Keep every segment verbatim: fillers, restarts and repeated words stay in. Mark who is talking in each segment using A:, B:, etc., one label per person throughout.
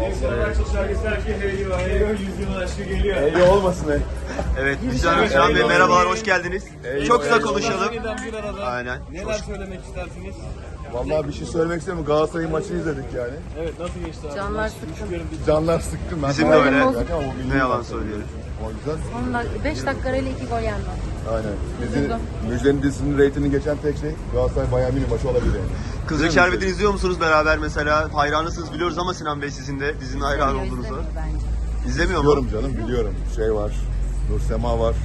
A: Eyli olmasın ey.
B: Evet, Müjgan Müjgan Bey merhabalar, hoş geldiniz.
A: Eyvallah.
B: Çok kısa konuşalım.
C: Bir arada
B: Aynen.
C: neler söylemek istersiniz?
A: Vallahi bir şey söylemek istemiyorum. Galatasaray maçını izledik yani.
C: Evet, nasıl geçti abi?
D: Canlar sıkkın.
A: Canlar sıkkın. Ben
B: Bizim de
A: sana-
B: öyle.
A: Ama o milli
B: Ne yalan
A: maç.
B: söyleyelim.
A: O yüzden
D: beş dakika arayla iki gol yenmez.
A: aynen. Dizinin, Müjde'nin dizisinin reytingini geçen tek şey Galatasaray Bayern Münih maçı olabilir yani.
B: Kızılcık Şerbeti'ni izliyor musunuz beraber mesela? Hayranısınız biliyoruz ama Sinan Bey sizin de dizinin hayran
D: İzlemiyor,
B: olduğunuzu.
D: izlemiyor bence.
B: İzlemiyor mu?
A: Biliyorum canım biliyorum. Şey var. Nur Sema var.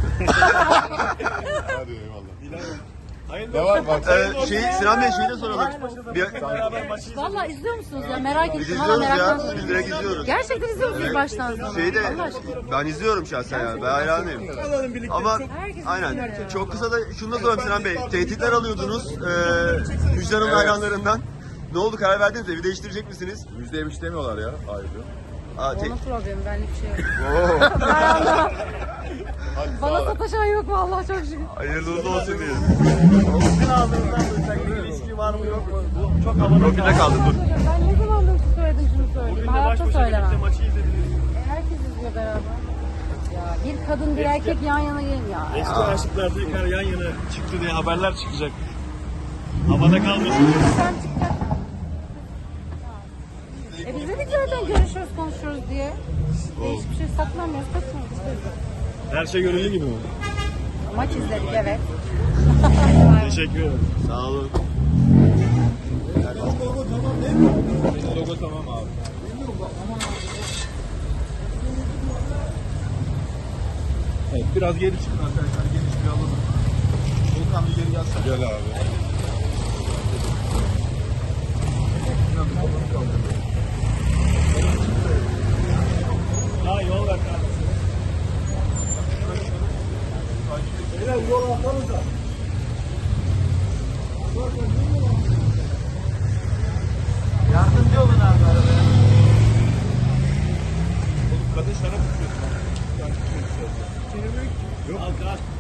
A: Hadi eyvallah. Ne var bak.
B: Ee, şey, Sinan Bey şeyi de soralım. Bir,
D: Valla izliyor musunuz ya? Merak
B: biz
D: ettim. Valla
B: izliyoruz ya.
D: meraktan
B: Biz direkt izliyoruz.
D: Gerçekten izliyor musunuz baştan sona?
B: Şeyi de
D: Allah aşkına.
B: ben izliyorum şahsen yani. Ben hayranıyım. Ama aynen. Çok kısa da şunu da sorayım Sinan Bey. Tehditler alıyordunuz e, Müjgan Hanım
A: Evet.
B: hayranlarından. Ne oldu, karar verdiniz, evi değiştirecek misiniz?
A: Müjde'ye bir şey demiyorlar ya ayrıca.
B: Aa, te-
D: Onun problemi, benlik bir şey yok.
B: Oo.
D: Bana sataşan yok vallahi, çok şükür.
B: Hayırlı uğurlu olsun diyelim.
C: Sizin ağzınızdan duysak bir ilişki var mı yok mu? Bu çok havada
B: Profilde kaldı dur.
D: Ben ne zamandır söyledim şunu söyleyeyim.
C: Bugün de baş
D: Hayatta
C: başa
D: söylemem.
C: birlikte maçı izlediniz.
D: E, herkes izliyor beraber. Ya bir kadın bir erkek yan yana gelin ya.
C: Eski aşıklar tekrar yan yana çıktı diye haberler çıkacak. Havada kalmasın.
D: Sen çıkacak. E biz dedik zaten görüşüyoruz, konuşuyoruz diye. E, hiçbir şey saklamıyoruz, kaçmıyoruz.
C: Her şey görüldüğü gibi mi?
D: Maç izledik, evet.
C: Teşekkür ederim.
B: Sağ olun.
C: Logo tamam abi. Evet, biraz geri çıkın arkadaşlar. Geniş bir alalım. Volkan bir geri gelsene.
A: Gel abi.
C: Daha yol ver abi. Beyler yol atsanıza. Yardımcı olun abi arabaya. Oğlum kadın şarap içiyor. Yok. Al, al.